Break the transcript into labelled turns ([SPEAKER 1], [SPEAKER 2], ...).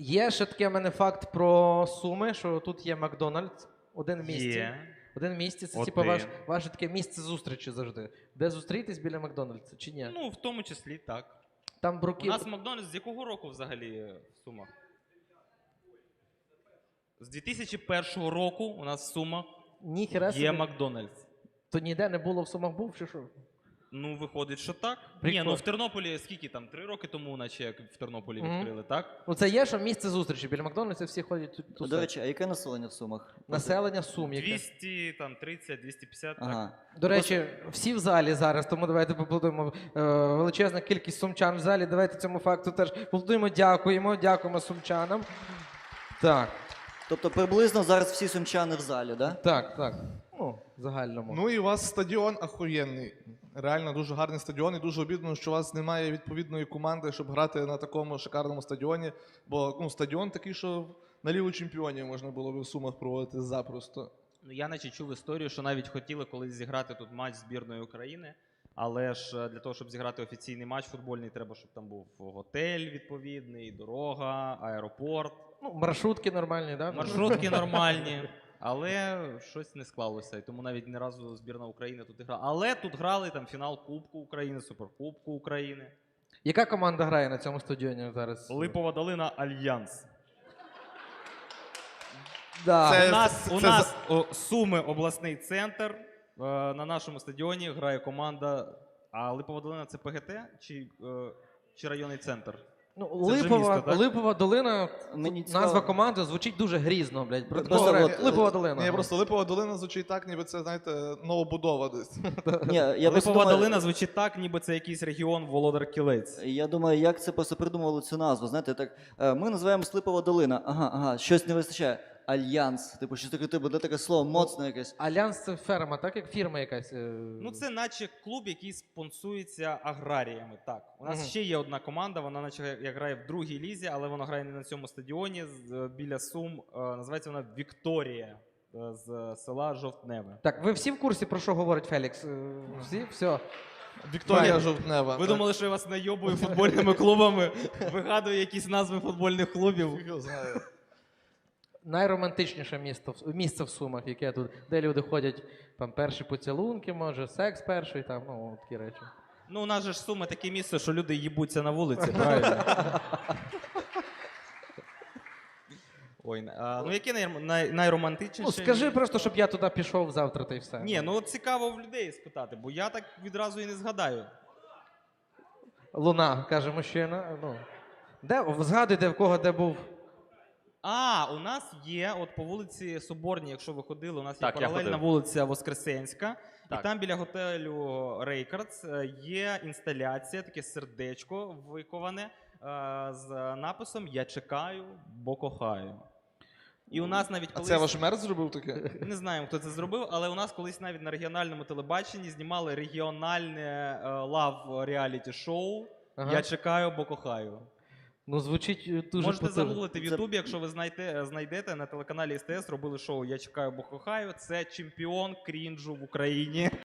[SPEAKER 1] Є ще такий в мене факт про Суми, що тут є Макдональдс, один в місті.
[SPEAKER 2] Є.
[SPEAKER 1] Один в місті, це
[SPEAKER 2] Один.
[SPEAKER 1] типу ваше таке місце зустрічі завжди. Де зустрітись біля Макдональдса, чи ні?
[SPEAKER 2] Ну, в тому числі, так.
[SPEAKER 1] Там
[SPEAKER 2] У
[SPEAKER 1] бруків.
[SPEAKER 2] нас Макдональдс з якого року взагалі в Сумах? З 2001 року у нас в Сумах
[SPEAKER 1] Ніхера собі.
[SPEAKER 2] є Макдональдс.
[SPEAKER 1] То ніде не було в Сумах був, чи що?
[SPEAKER 2] Ну, виходить, що так.
[SPEAKER 1] Прикольно.
[SPEAKER 2] Ні, ну в Тернополі скільки там? 3 роки тому, наче як в Тернополі відкрили, так?
[SPEAKER 1] Ну це є, що місце зустрічі. Біля Макдональдса всі ходять тут.
[SPEAKER 3] До речі, а яке населення в Сумах?
[SPEAKER 1] Населення Сум яке.
[SPEAKER 2] 200, там, 30, 250, так.
[SPEAKER 3] Ага.
[SPEAKER 1] До речі, всі в залі зараз, тому давайте поаплодуємо. Величезна кількість сумчан в залі. Давайте цьому факту теж поаплодуємо. Дякуємо сумчанам. Так,
[SPEAKER 3] Тобто приблизно зараз всі сумчани в залі, да?
[SPEAKER 1] так. Ну, в загальному.
[SPEAKER 4] Ну і у вас стадіон ахуєнний. Реально дуже гарний стадіон, і дуже обідно, що у вас немає відповідної команди, щоб грати на такому шикарному стадіоні. Бо ну, стадіон такий, що на Лігу чемпіонів можна було б в Сумах проводити запросто.
[SPEAKER 2] Ну, я наче чув історію, що навіть хотіли колись зіграти тут матч збірної України, але ж для того, щоб зіграти офіційний матч футбольний, треба, щоб там був готель відповідний, дорога, аеропорт,
[SPEAKER 1] Ну, маршрутки нормальні, так?
[SPEAKER 2] маршрутки нормальні. Але щось не склалося, і тому навіть ні разу збірна України тут не грала. Але тут грали там фінал Кубку України, Суперкубку України.
[SPEAKER 1] Яка команда грає на цьому стадіоні зараз?
[SPEAKER 2] Липова долина Альянс.
[SPEAKER 1] Да.
[SPEAKER 4] Це-
[SPEAKER 2] У нас Суми обласний центр. На нашому стадіоні грає команда. А Липова долина це ПГТ чи районний центр?
[SPEAKER 1] Ну,
[SPEAKER 2] Це вже місто, так?
[SPEAKER 1] Липова долина,
[SPEAKER 3] Мені
[SPEAKER 1] назва
[SPEAKER 3] цікаво.
[SPEAKER 1] команди звучить дуже грізно, блядь. Про
[SPEAKER 3] Просто
[SPEAKER 1] такого
[SPEAKER 3] от,
[SPEAKER 1] Липова долина.
[SPEAKER 4] Ні, просто Липова долина звучить так, ніби це, знаєте, новобудова десь.
[SPEAKER 3] Ні, я просто
[SPEAKER 2] Липова
[SPEAKER 3] думаю,
[SPEAKER 2] долина звучить так, ніби це якийсь регіон Володар Кілець.
[SPEAKER 3] Я думаю, як це просто придумували цю назву. Знаєте, так, ми називаємо Слипова долина. Ага, щось не вистачає. Альянс. Типу, щось таке, типу, де таке слово моцне якесь.
[SPEAKER 1] Альянс це ферма, так? Як фірма якась.
[SPEAKER 2] Ну, це наче клуб, який спонсується аграріями. Так. У нас
[SPEAKER 1] Мгм.
[SPEAKER 2] ще є одна команда, вона наче як грає в другій лізі, але вона грає не на цьому стадіоні біля Сум. Називається вона Вікторія з села Жовтневе.
[SPEAKER 1] Так, ви всі в курсі, про що говорить Фелікс? Всі? Все.
[SPEAKER 4] Вікторія
[SPEAKER 1] Правильно.
[SPEAKER 4] Жовтнева.
[SPEAKER 2] Ви думали, що я вас найобую футбольними клубами, вигадую якісь назви футбольних клубів.
[SPEAKER 4] Фіг його знає.
[SPEAKER 1] Найромантичніше місце в Сумах, яке тут, де люди ходять, там перші поцілунки, може, секс перший, там, ну, такі речі.
[SPEAKER 2] Ну, у нас же ж Суми таке місце, що люди їбуться на вулиці, правильно? Ой, ну яке найромантичніше?
[SPEAKER 1] Ну, скажи просто, щоб я туди пішов завтра, та й все.
[SPEAKER 2] Ні, ну от цікаво в людей спитати, бо я так відразу і не згадаю.
[SPEAKER 1] Луна, каже мужчина. Ну. Згадуйте, в кого де був.
[SPEAKER 2] У нас є, от по вулиці Соборній, якщо ви ходили, у нас є
[SPEAKER 5] Так, я
[SPEAKER 2] паралельна
[SPEAKER 5] ходив.
[SPEAKER 2] вулиця Воскресенська.
[SPEAKER 5] Так.
[SPEAKER 2] І там біля готелю Рейкардс є інсталяція, таке сердечко виковане з написом «Я чекаю, бо кохаю». І у нас навіть
[SPEAKER 4] А
[SPEAKER 2] колись...
[SPEAKER 4] це ваш мер зробив таке?
[SPEAKER 2] Не знаємо, хто це зробив, але у нас колись навіть на регіональному телебаченні знімали регіональне лав-реаліті-шоу
[SPEAKER 1] Ага.
[SPEAKER 2] «Я чекаю, бо кохаю».
[SPEAKER 1] Ну, звучить дуже
[SPEAKER 2] Можете
[SPEAKER 1] потужно.
[SPEAKER 2] загуглити в Ютубі, якщо ви знайдете на телеканалі СТС, робили шоу «Я чекаю, бо кохаю». Це чемпіон крінжу в Україні.